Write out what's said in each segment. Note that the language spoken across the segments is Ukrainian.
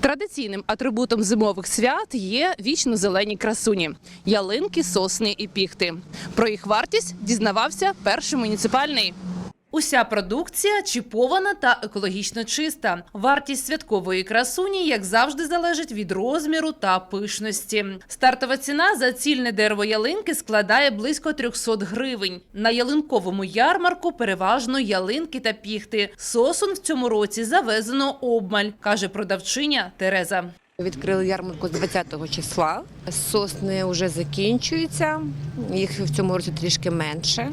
Традиційним атрибутом зимових свят є вічно-зелені красуні – ялинки, сосни і піхти. Про їх вартість дізнавався перший муніципальний. Уся продукція чіпована та екологічно чиста. Вартість святкової красуні, як завжди, залежить від розміру та пишності. Стартова ціна за цільне дерево ялинки складає близько 300 гривень. На ялинковому ярмарку переважно ялинки та піхти. Сосон в цьому році завезено обмаль, каже продавчиня Тереза. Відкрили ярмарку з 20-го числа. Сосни вже закінчуються, їх в цьому році трішки менше.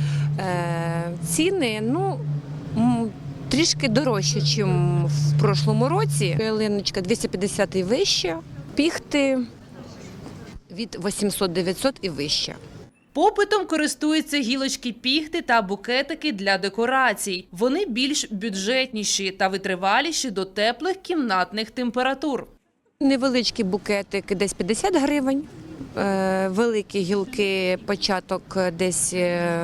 Ціни, трішки дорожче, ніж в прошлому році. Ялиночка 250 і вище, піхти від 800-900 і вище. Попитом користуються гілочки піхти та букетики для декорацій. Вони більш бюджетніші та витриваліші до теплих кімнатних температур. Невеличкі букетики десь 50 гривень. Великі гілки початок десь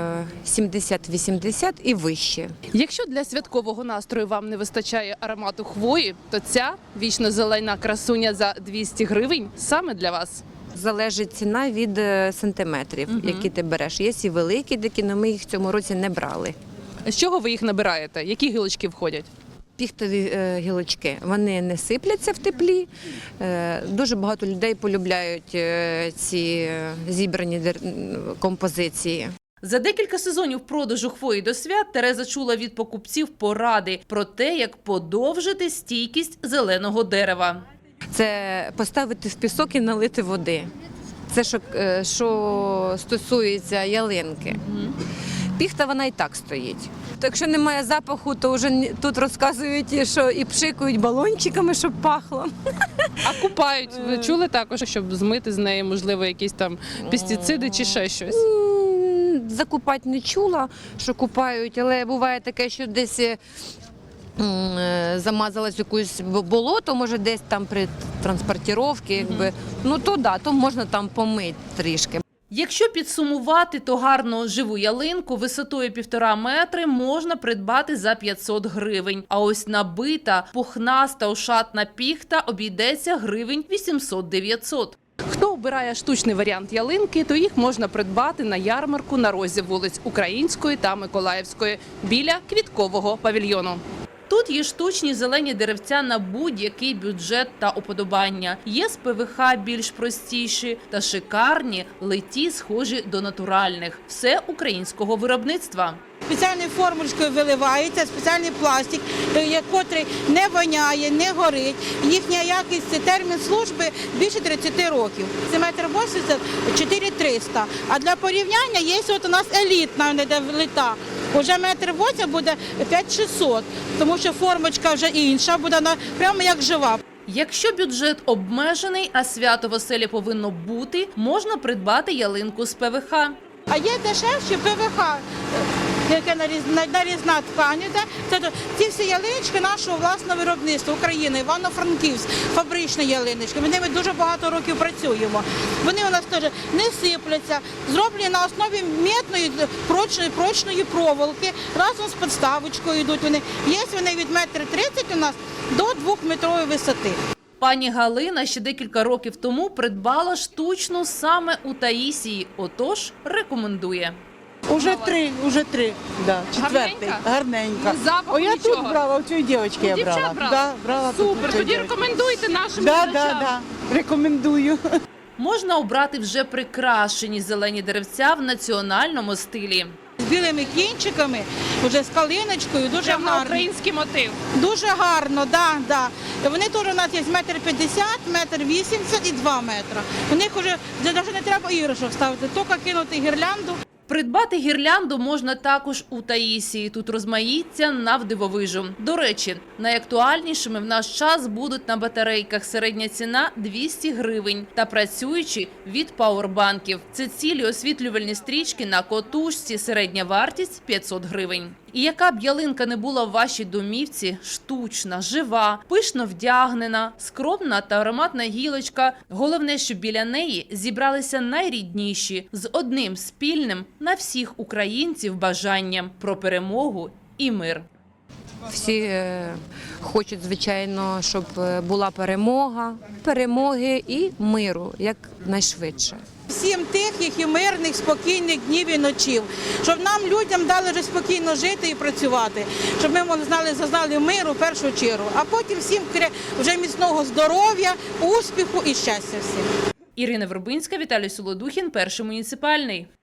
70-80 і вище. Якщо для святкового настрою вам не вистачає аромату хвої, то ця вічно-зелена красуня за 200 гривень саме для вас. Залежить ціна від сантиметрів, які ти береш. Є і великі такі, але ми їх в цьому році не брали. З чого ви їх набираєте? Які гілочки входять? Піхтові гілочки, вони не сипляться в теплі. Дуже багато людей полюбляють ці зібрані композиції. За декілька сезонів продажу хвої до свят Тереза чула від покупців поради про те, як подовжити стійкість зеленого дерева. Це поставити в пісок і налити води. Це що стосується ялинки. Піхта вона і так стоїть. То якщо немає запаху, то вже тут розказують, що і пшикають балончиками, щоб пахло. А купають? Ви чули також, щоб змити з неї, можливо, якісь там пестициди чи ще щось? Закупати не чула, що купають, але буває таке, що десь замазалось якусь болото, може десь там при транспортировці, то можна там помити трішки. Якщо підсумувати, то гарну живу ялинку висотою 1,5 метри можна придбати за 500 гривень. А ось набита, пухнаста, ошатна піхта обійдеться гривень 800-900. Хто обирає штучний варіант ялинки, то їх можна придбати на ярмарку на розі вулиць Української та Миколаївської біля квіткового павільйону. Тут є штучні зелені деревця на будь-який бюджет та уподобання. Є з ПВХ більш простіші та шикарні, литі схожі до натуральних. Все українського виробництва. Спеціальною формулочкою виливається, спеціальний пластик, який не воняє, не горить. Їхня якість, термін служби більше 30 років. Це 1,80 м – 4300. А для порівняння є у нас елітна, де лита. Уже 1,80 м буде 5600, тому що формочка вже інша, буде прямо як жива. Якщо бюджет обмежений, а свято в оселі повинно бути, можна придбати ялинку з ПВХ. А є дешевші ПВХ, яке нарізна ткань. Ці всі ялиночки нашого власного виробництва України, Івано-Франківськ, фабричні ялиночки. Ми ними дуже багато років працюємо. Вони у нас теж не сипляться, зроблені на основі мідної прочної проволоки, разом з підставочкою йдуть вони. Є вони від 1,30 м у нас до 2-метрової висоти. Пані Галина ще декілька років тому придбала штучну саме у Таїсії, отож рекомендує. Уже три, да, четвертий, гарненька. Запаху Я нічого? тут брала, у цієї дівчинки я брала. Дівчат брала? Да, брала Супер, тут, тоді рекомендуйте нашим Да, глядачам. рекомендую. Можна обрати вже прикрашені зелені деревця в національному стилі. З білими кінчиками, вже з калиночкою, дуже Прямо гарно. український мотив. Дуже гарно, да. Вони теж у нас є 1,50 м, 1,80 м і 2 метри. У них вже навіть не треба іграшок ставити, тільки кинути гірлянду. Придбати гірлянду можна також у Таїсії. Тут розмаїття навдивовижу. До речі, найактуальнішими в наш час будуть на батарейках. Середня ціна – 200 гривень. Та працюючі від пауербанків. Це цілі освітлювальні стрічки на котушці. Середня вартість – 500 гривень. І яка б ялинка не була в вашій домівці – штучна, жива, пишно вдягнена, скромна та ароматна гілочка. Головне, щоб біля неї зібралися найрідніші з одним спільним на всіх українців бажанням про перемогу і мир. Всі хочуть, звичайно, щоб була перемоги і миру якнайшвидше. Всім тихих і мирних, спокійних днів і ночів, щоб нам, людям, дали вже спокійно жити і працювати, щоб ми зазнали миру в першу чергу, а потім всім вже міцного здоров'я, успіху і щастя всім. Ірина Вербинська, Віталій Солодухін, Перший муніципальний.